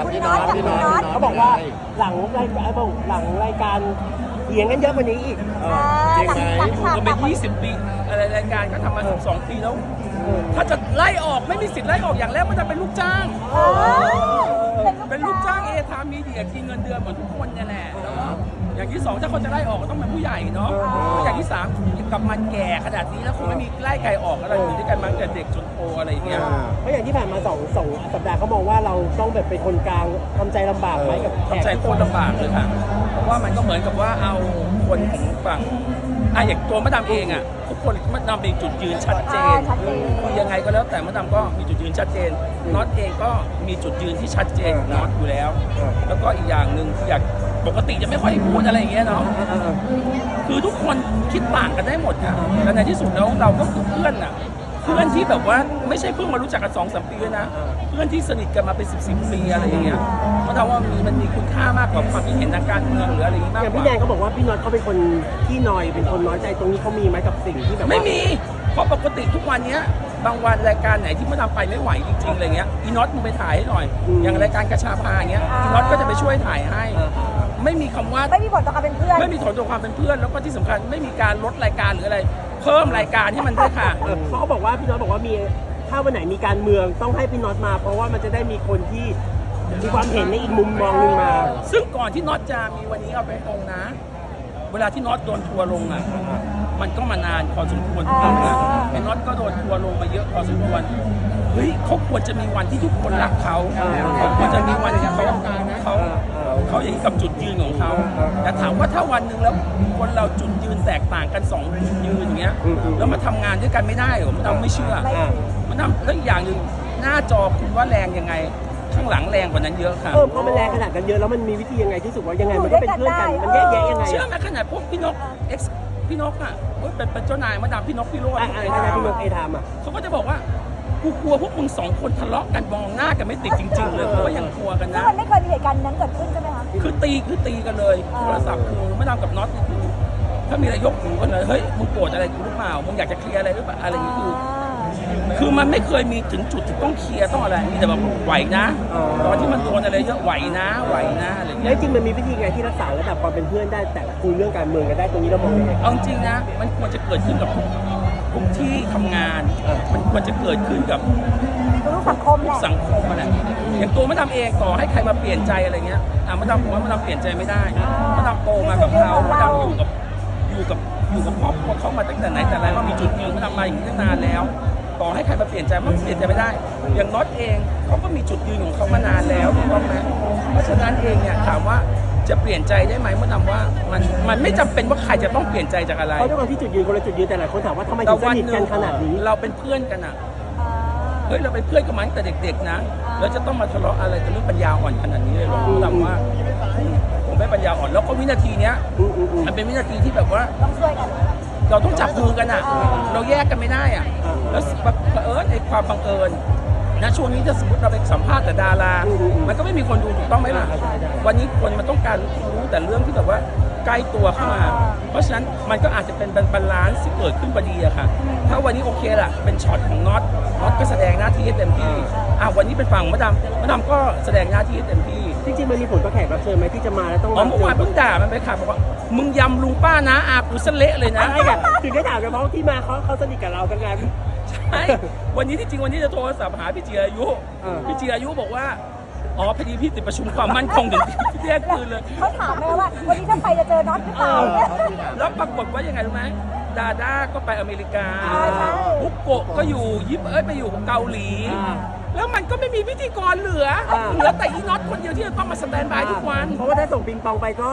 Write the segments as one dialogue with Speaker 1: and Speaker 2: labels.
Speaker 1: กับพี่น็อต
Speaker 2: เขาบอกว่าหลังรายการเถียงกันเยอะกว่านี้อีก
Speaker 1: จริงไหม
Speaker 3: ก็เป็น20 ปีอะไรรายการก็ทำมา12 ปีแล้ว ถ้าจะไล่ออกไม่มีสิทธิ์ไล่ออกอย่างแรกมันจะเป็นลูกจ้าง เป็นลูกจ้างเอทามมีเดียกินเงินเดือนเหมือนทุกคนเนี่ยแหละแล้วก็อย่างที่สองถ้าคนจะไล่ออกก็ต้องเป็นผู้ใหญ่เนาะแล้วอย่างที่สามกับมันแก่ขนาดนี้แล้วคงไม่มีไล่ใครออกอะไรอยู่ด้วยกันมาตั้งแต่เด็กจนโตอะไรอย่างเงี้ย
Speaker 2: เพราะอย่างที่ผ่านมาสองสัปดาห์เขามองว่าเราต้องแบบเป็นคนกลางทำใจลำบากไหมกับแข
Speaker 3: ทำใจ
Speaker 2: ก
Speaker 3: โคตรลำบากเลยค่ะ เพราะว่ามันก็เหมือนกับว่าเอาคนของฝั่งอย่างตัวมะดามเองอ่ะทุกคนมะดามมีจุดยืนชัดเจนคือยังไงก็แล้วแต่มะดามก็มีจุดยืนชัดเจนน็อตเองก็มีจุดยืนที่ชัดเจนน็อตอยู่แล้ว แล้วก็อีกอย่างหนึ่งอยากปกติจะไม่ค่อยพูดอะไรอย่างเงี้ยเนาะคือทุกคนคิดต่างกันได้หมดค่ะแต่ในที่สุดแล้วเราก็คือเพื่อนอ่ะเพื่อนที่แบบว่าไม่ใช่เพิ่งมารู้จักกัน2-3 ปีนะเพื่อนที่สนิทกันมาเป็น10 ปีอะไรอย่างเงี้ยเพราะว่ามันมีคุณค่ามากกว่าความคิดเห็นทางการเมืองหรืออะไรอย่างงี้มาก
Speaker 2: อย่าง
Speaker 3: ก
Speaker 2: พี่
Speaker 3: ว่า
Speaker 2: แนนเขาบอกว่าพี่น็อตเขาเป็นคนที่นอยเป็นคนน้อยใจตรงนี้เขามีไหมกับสิ่งที่แบบว่า
Speaker 3: ไม่มีเพราะปกติทุกวันเนี้ยบางวันรายการไหนที่มาทำไปไม่ไหวจริงๆอะไรเงี้ยอีน็อตมึงไปถ่ายให้หน่อยอย่างรายการกระชาพาอย่างเงี้ยอีน็อตก็จะไปช่วยถ่ายให้ไม่มีคำว่า
Speaker 1: ไม่มีผลต่อการเป็นเพื่อน
Speaker 3: ไม่มีถอนตัวความเป็นเพื่อนแล้วก็ที่สำคัญไม่มีการลดรายการหรืออะไร เพิ่มรายการให้มันด้วยค่ะ
Speaker 2: เพราะเขาบอกว่าพี่น็อตบอกว่ามีถ้าวันไหนมีการเมืองต้องให้พี่น็อตมา เพราะว่ามันจะได้มีคนที่มีความเห็นในอีกมุมมองหนึงมา
Speaker 3: ซึ่งก่อนที่น็อตจะมีวันนี้เอาไปตรงนะ เวลาที่น็อตโดนทัวร์ลงอ่ะมันก็มานานพอสมควรถูกต้องนะไอ้น็อตก็โดนทัวร์ลงมาเยอะพอสมควรเฮ้ยเขาควรจะมีวันที่ทุกคนรักเขาเขาควรจะมีวันที่เขาอย่างกับจุดยืนของเขาแต่ถามว่าถ้าวันหนึ่งแล้วคนเราจุดยืนแตกต่างกัน2 จุดยืนอย่างเงี้ยแล้วมาทำงานด้วยกันไม่ได้เหรอมันเราไม่เชื่อมันทำแล้วอีกอย่างหนึ่งหน้าจอคุณว่าแรงยังไงข้างหลังแรงกว่านั้นเยอะค่ะ
Speaker 2: พอมันแรงขนาดกันเยอะแล้วมันมีวิธียังไงที่สุดว่ายังไงมันก็เป็นเพื่อนกันมันแยกแยะยังไง
Speaker 3: เชื่อไหมขนาดพวกพี่นกพี่นกอ่ะเป็นเจ้านายมาดามพี่นกพี่โรจน์
Speaker 2: อะไรพี่นกเอทามอ่ะ
Speaker 3: เขาก็จะบอกว่ากูกลัวพวกมึง2 คนทะเลาะกันมองหน้ากันไม่ติดจริงๆเลยเพราะว่ายังกลัวกัน
Speaker 1: ซึ่ง
Speaker 3: นะ
Speaker 1: มันไม่เคยมีเหตุการณ์นั้นเกิดขึ้นใช่ไหมคะ
Speaker 3: คือตีกันเลยโทรศัพท์คือมาดามกับน็อตนี่คือถ้ามีอะไรยกหูกันเลยเฮ้ยมึงโกรธอะไรกูหรือเปล่ามึงอยากจะเคลียร์อะไรหรือเปล่าอะไรอย่างนี้คือมันไม่เคยมีถึงจุดที่ต้องเคลียร์ต้องอะไรมีแต่แบบไหวนะตอนที่มันโดนอะไรเยอะไหวนะอะไรอย่าง
Speaker 2: แล้
Speaker 3: เงี้
Speaker 2: วย จริงมันมีวิธีไงที่รักษาระดับความเป็นเพื่อนได้แต่คุยเรื่องการเมืองกันได้ตรงนี้เรามองยังไง
Speaker 3: เอาจริงนะมันควรจะเกิดขึ้นกับทุกที่ทำงาน มันควรจะเกิดขึ้นกับ
Speaker 1: รู้สังคมแหละ
Speaker 3: สังคมอะไรอย่างตัวมะดามเองต่อให้ใครมาเปลี่ยนใจอะไรเงี้ยมะดามผมว่ามะดามเปลี่ยนใจไม่ได้มะดามโตมากับเขามะดามอยู่กับครอบครัวเขามาตั้งแต่ไหนแต่ไรว่ามีจุดยืนมะดามมาอย่างนี้ตั้งนานแล้วต่อให้ใครมาเปลี่ยนใจมันเปลี่ยนใจไม่ได้ อย่างน็อตเองเขาก็มีจุดยืนของเขามานานแล้วถูกต้องไหมเพราะฉะนั้นเองเนี่ยถามว่าจะเปลี่ยนใจได้ไหมมะดามว่ามันไม่จำเป็นว่าใครจะต้องเปลี่ยนใจจากอะไร
Speaker 2: เพราะด้วยความที่จุดยืนคนละจุดยืนแต่หลายคนถามว่าทำไมถึงสนิทกันขนาดนี้
Speaker 3: เราเป็นเพื่อนกันอ่ะ เฮ้ยเราเป็นเพื่อนกันมาตั้งแต่เด็กๆนะแล้วจะต้องมาทะเลาะอะไรกันเรื่องปัญญาอ่อนขนาดนี้เลยหรอผมถามว่าผมไม่ปัญญาอ่อนแล้วก็วินาทีเนี้ยมันเป็นวินาทีที่แบบว่า
Speaker 1: ต้องช่วยกัน
Speaker 3: เราต้องจับมือกันอ่ะเราแยกกันไม่ได้อ่ะแล้วไอ้ความบังเอิญนะช่วงนี้ถ้าสมมติเราไปสัมภาษณ์แต่ดารามันก็ไม่มีคนดูถูกต้องไหมล่ะวันนี้คนมันต้องการรู้แต่เรื่องที่แบบว่าใกล้ตัวเข้ามาเพราะฉะนั้นมันก็อาจจะเป็นบาลานซ์ที่เกิดขึ้นพอดีอะค่ะถ้าวันนี้โอเคล่ะเป็นช็อตของน็อตก็แสดงหน้าที่ให้เต็มที่วันนี้เป็นฝั่งมะดามก็แสดงหน้าที่ให้เต็มที่
Speaker 2: จริงๆมันมีผลต่อแขกรับเชิญไหมที่จะมาแล้วต้อง
Speaker 3: เมื่อวานเพิ่งด่ามันไปค่ะบอกว่ามึงยำลุงป้านะอากูเสเละเลยนะ
Speaker 2: ใช่ค่ะถึงได้ถามกันเพราะที่มาเขาสนิทกับเรากันไง
Speaker 3: ใช่วันนี้ที่จริงวันนี้จะโทรศัพท์หาพี่จีรายุพี่จีรายุบอกว่าอ๋อพอดีพี่ติดประชุมความมั่นคงถึงที่เที่ยงคืนเลย
Speaker 1: เขาถามไหมว่าวันนี้ถ้าไปจะเจอน็อตหรือเปล่า
Speaker 3: แล้วปรากฏว่ายังไงรู้ไหมดาด้าก็ไปอเมริกา
Speaker 1: ใช่
Speaker 3: บุกโกะก็อยู่ไปอยู่เกาหลี แล้วมันก็ไม่มีพิธีกรเหลือแต่อีน็อตคนเดียวที่จะต้องมาสแตนบายทุกวัน
Speaker 2: เพราะว่าถ้าส่งปิงปองไปก็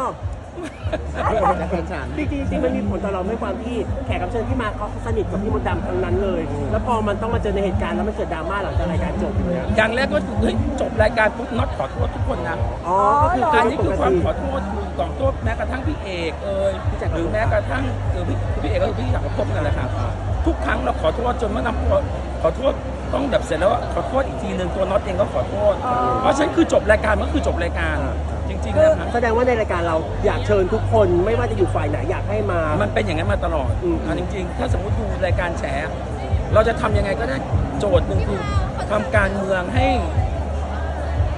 Speaker 2: จริงๆมันมีผลต่อเราไม่ความที่แขกรับเชิญที่มาเขาสนิทกับพี่มดดำทั้งนั้นเลย แล้วพอมันต้องมาเจอในเหตุการณ์แล้วมันเกิดดราม่าหลังจากรายการจบเลย
Speaker 3: อย่างแรกก็เฮ้ยจบรายการปุ๊บน็อตขอโทษทุกคนนะ
Speaker 2: ก็คือ
Speaker 3: อันนี้คือความขอโทษขอโทษแม้กระทั่งพี่เอกหรือแม้กระทั่งพี่เอกก็คือพี่จักรภพนั่นแหละครับทุกครั้งเราขอโทษจนมะดามขอโทษต้องแบบเสร็จแล้วขอโทษอีกทีนึงตัวน็อตเองก็ขอโทษเพราะฉะนั้นคือจบรายการก็คือจบรายการจริงๆนะครับ
Speaker 2: แสดงว่าในรายการเราอยากเชิญทุกคนไม่ว่าจะอยู่ฝ่ายไหนอยากให้มา
Speaker 3: มันเป็นอย่างนั้นมาตลอดจริงๆถ้าสมมติดูรายการแฉเราจะทำยังไงก็ได้โจทย์หนึ่งคือทำการเมืองให้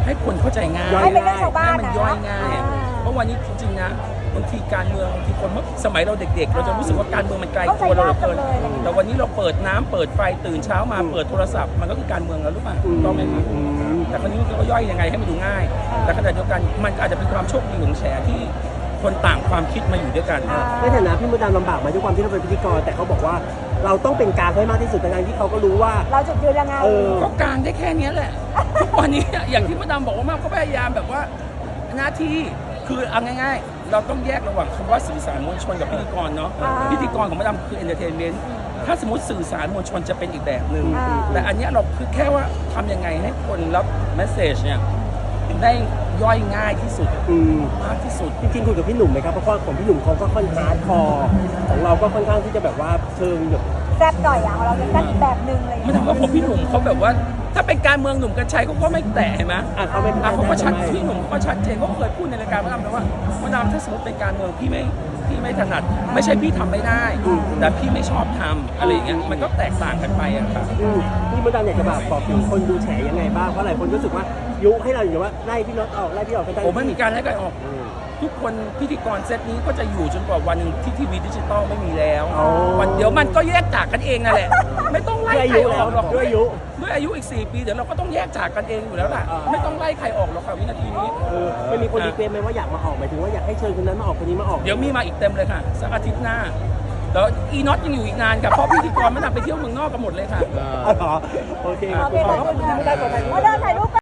Speaker 3: ให้คนเข้าใจง่าย
Speaker 2: ย่อย
Speaker 1: ให้เป็นเรื่องชาวบ้าน
Speaker 3: ให้มัน
Speaker 1: นะ
Speaker 3: ย่อยง่าย เพราะวันนี้จริงๆนะบางทีการเมืองบางทีคนเมื่อสมัยเราเด็กๆ เราจะรู้สึกว่าการเมืองมันไกลตัวเราเหลือเกินแต่วันนี้เราเปิดน้ำเปิดไฟตื่นเช้ามาเปิดโทรศัพท์มันก็คือการเมืองแล้วรู้ป่ะต้องไหมครับแต่คราวนี้มันก็ย่อยยังไงให้มันดูง่าย แต่ขณะเดียวกันมันอาจจะเป็นความโชคดีของแฉที่คนต่างความคิดมาอยู่ด้วยกัน
Speaker 2: ในฐานะพี่มดดำลำบากไหมด้วยความที่เราเป็นพิธีกรแต่เขาบอกว่าเราต้องเป็นกลางให้มากที่สุดในการที่เขาก็รู้ว่า
Speaker 1: เราจุดยืนยังไง
Speaker 3: ก็กลางได้แค่เนี้ยแหละ ทุกวันนี้อย่างที่มดดำบอกว่ามากก็พยายามแบบว่าหน้าที่คือเอาง่ายๆ เราต้องแยกระหว่างคำว่าสื่อสารมวลชนกับพิธีกรเนาะพิธีกรของมดดำคือเอนเตอร์เทนเมนต์ถ้าสมมติสื่อสารมวลชนจะเป็นอีกแบบหนึ่งแต่อันเนี้ยเราคือแค่ว่าทำยังไงให้คนรับเมสเซจเนี่ยได้ย่อยง่ายที่สุดมากที่สุด
Speaker 2: จริงๆคุยกับพี่หนุ่มไหมครับเพราะว่าของพี่หนุ่มเขาก็ค่อนข้างคอร์ของเราก็ค่อนข้างที่จะแบบว่าเชิงแบบ
Speaker 1: แซ่บหน่อยอ่ะของเราจะแซ่บอีกแบบนึงอะไรอย่าง
Speaker 3: ไม่
Speaker 1: เงี้ย
Speaker 3: ทำว่าผมพี่หนุ่มเขาแบบว่า ถ้าเป็นการเมืองหนุ่มกัญชัยเขาก็ไม่แตะเห็นไหม
Speaker 2: เขาไม่
Speaker 3: เขาก็ชัดพี่หนุ่มเขาก็ชัดเจนเขาเคยพูดในรายการมดดำแล้วว่ามดดำถ้าสมมติเป็นการเมืองพี่ไม่ถนัด ไม่ใช่พี่ทำไม่ได้ แต่พี่ไม่ชอบทำอะไรอย่างเงี้ยมันก็แตกต่างกันไปอะครับ
Speaker 2: พี่มดดำอยากจะบอกถึงคนดูแฉยังไงบ้างเพราะหลายคนรู้สึกว่ายุให้เราอยู่ว่าไล่พี่น็อตออกไล่พี่ออกกันได้
Speaker 3: ผมไม่มีการไล่ใครออก ทุกคนพิธีกรเซตนี้ก็จะอยู่จนกว่าวันหนึ่งที่ทีวีดิจิตอลไม่มีแล้ววันเดี๋ยวมันก็แยกจากกันเองนั่นแหละ ไม่ต้องไล่ใครออกหรอก
Speaker 2: ด้วยอายุ
Speaker 3: ด้วยอายุอีก4 ปีเดี๋ยวเราก็ต้องแยกจากกันเองอยู่แล้วล่ะไม่ต้องไล่ใครออกหรอกค่ะวินาทีนี้
Speaker 2: ไม่มีคนรีเควสไหมว่าอยากมาออกหมายถึงว่าอยากให้เชิญคนนั้นมาออกคนนี้มาออก
Speaker 3: เดี๋ยวมีมาอีกเต็มเลยค่ะสักอาทิตย์หน้าแล้วอีน็อตยังอยู่อีกนานค่ะเพราะพิธีกรไม่นำไปเที่ยวเมืองนอกกันหมดเลยค่ะ
Speaker 2: โอเค
Speaker 1: โอเคขอบคุณค่ะ
Speaker 2: ไม่ได้ขอถ่ายรูป
Speaker 1: มาเดินถ่ายรูป